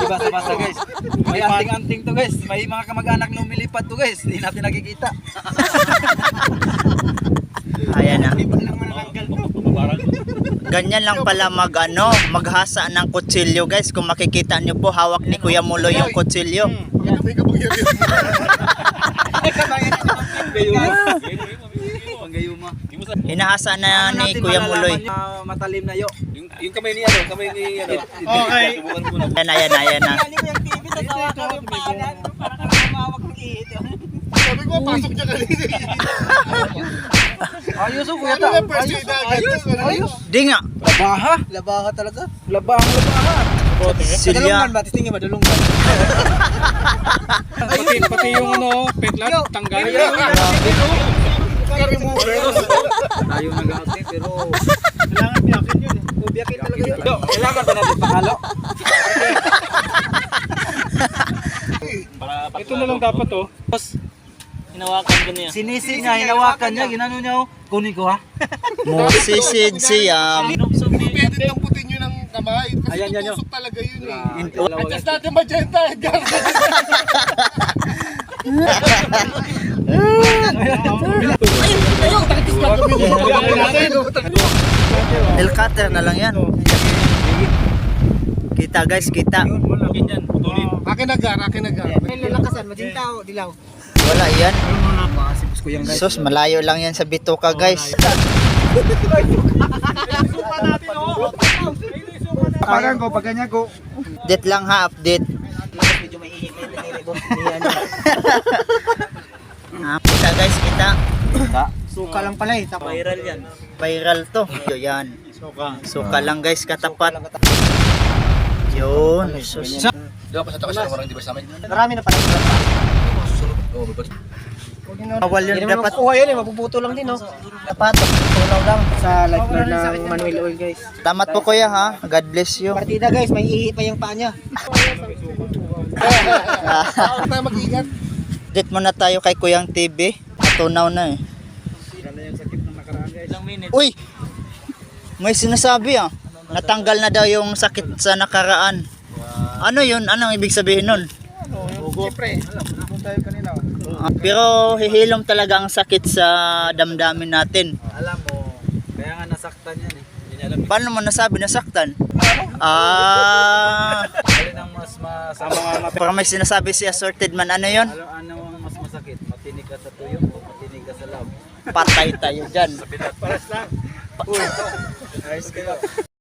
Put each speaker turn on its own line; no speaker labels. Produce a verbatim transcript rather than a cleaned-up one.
Hindi basta-basta guys. May anting-anting to guys. May mga kamag-anak na umilipat to guys. Hindi natin nakikita.
Ayan na. Ganyan lang pala mag ano, maghasa ng kutsilyo guys. Kung makikita nyo po, hawak ni Kuya Mulo yung kutsilyo. Hinahasa na ni Kuya Muloy.
Matalim na yo.
Yung, yung kamay ni ano, kamay ni ano.
Okay.
Ayan na, ayan na, ayan na.
Sabi ko, pasok niya kanina.
Ayos oh kuya ta. Ayos. Ayos. Ayos.
Di nga.
Labaha. Labaha talaga. Labahang labaha.
Silya.
Batis tingin madulungan.
Pati, pati yung ano, petlat, tanggal.
Ayaw nag-ate pero
Kailangan biyakin yun eh.
biyakin talaga yun. Kailangan ba natin pahalo?
Ito na lang dapat oh.
Hinawakan ko niya.
Sinisi niya, hinawakan niya, ginano niya oh. Kunin ko ha.
Musisid siya.
Pwede tamputin yun ng kamay. Kasi
Ayan, yan,
tutusok talaga yun eh.
Dalawa,
Adjust natin magenta, Edgar.
Nail cutter na lang yan. Kita guys, kita.
Akin agar, akin agar.
Lakasan, maging tao, dilaw.
Wala yan.
Masipos ko yan guys.
Sus, malayo lang yan sa bituka guys.
Parang ko, pag ganyan ko.
Update lang ha, update.
Medyo may ihimay na nilibos niya.
Ah, kita guys, kita.
Suka lang pala eh. Viral yan.
Viral to. Yo, yan. Suka lang guys, katapat. Yun. Sus.
Di ba pasata kasi orang di ba sa amin?
Marami na pala.
Oo, ba't?
Bawal yun dapat.
Kuha yan eh, mapuputo lang din oh. Dapat, tulaw lang sa lifeguard ng Manuel Oil guys.
Tamat po kuya ha. God bless you.
Partida guys, may ihi pa yung paa niya.
Tayo mag-ingat.
Update muna tayo kay Kuyang T V. Tunaw na eh. Uy! May sinasabi ah. Natanggal na daw yung sakit sa nakaraan. Ano yun? Anong ibig sabihin nun?
Siyempre.
Ah, pero hihilom talaga ang sakit sa damdamin natin.
Alam mo, kaya nga nasaktan yan eh. Hindi niya alam.
Paano mo nasabi nasaktan? Ah,
Alin ang mas masama nga
para may sinasabi si Assorted Man. Ano yun?
Ano, ano ang mas masakit? Matinig ka sa tuyo o matinig ka sa lab?
Patay tayo dyan.
Paras lang. Uy, ayos kayo.